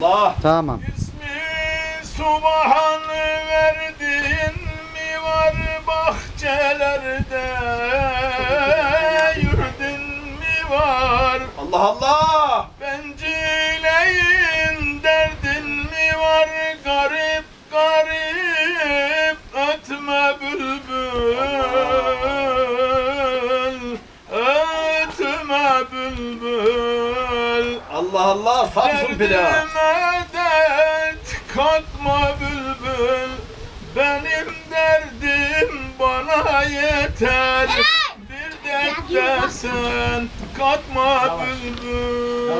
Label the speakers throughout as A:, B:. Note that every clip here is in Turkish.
A: Allah.
B: Tamam.
C: İsmi Subhan verdin mi var bahçelerde, yurdun mi var?
A: Allah Allah.
C: Bencileyin derdin mi var? Garip garip ötme bülbül, ötme bülbül.
A: Allah Allah. Samsun pilav.
C: Derdime dert katma bülbül, benim derdim bana yeter. Bir dert de sen katma bülbül.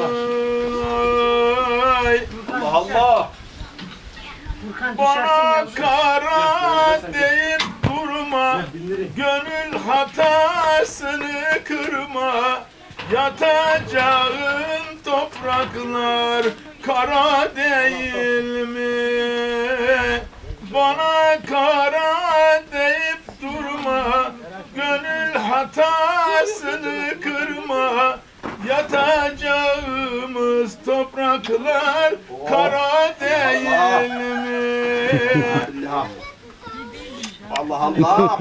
A: Allah Allah.
C: Bana kara deyip durma, gönül hatasını kırma. Yatacağın topraklar kara değil mi? Bana kara deyip durma, gönül hatasını kırma. Yatacağımız topraklar kara değil mi?
A: Allah Allah.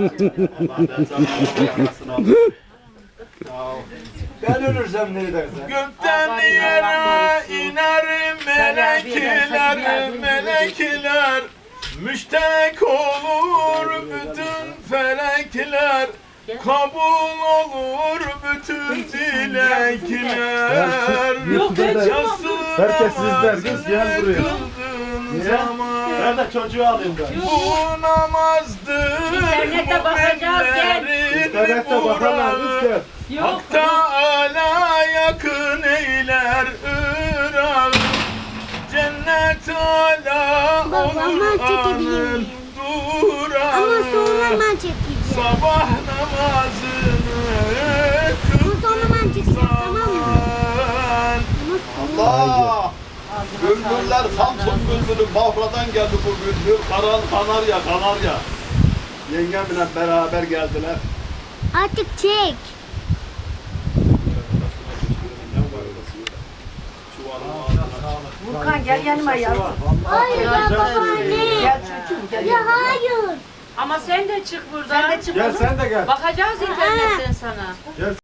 A: Ben ölürsem ne dersen?
C: Gökten yere iner melekler, melekler. Müştek olur bütün felekler. Kabul olur bütün dilekler.
D: Herkes izler, kız gel buraya.
C: Kıldığın zaman
D: Ben de çocuğu alayım ben.
C: bu namazdır
E: İnternette bakacağız, gel.
C: müminlerin
D: İnternette bakarlar, kız
C: muradı.
D: gel.
E: Yok.
C: Hak Teâlâ yakın eyler Irak'ı. Cennet âlâ
F: Baba,
C: olur
F: ben çekebilir
C: anın
F: miyim?
C: duran.
F: Ama sonra ben çekeceğim.
C: Sabah namazını
F: Ama sonra ben çekeceğim, tamam mı?
C: kılsan.
A: Allah. Bülbüller Samsun bülbülü. Bafra'dan geldi bu bülbül. Kanarya, Kanarya. Yengemle beraber geldiler.
F: Artık çek.
E: Furkan gel yanıma yavrum.
F: Hayır ya babaanne.
E: Gel çocuğum gel.
F: Ya hayır.
G: Ama sen de çık buradan.
E: Sen de çık.
D: Gel sen de gel.
G: Bakacağız internetten sana.
D: Gel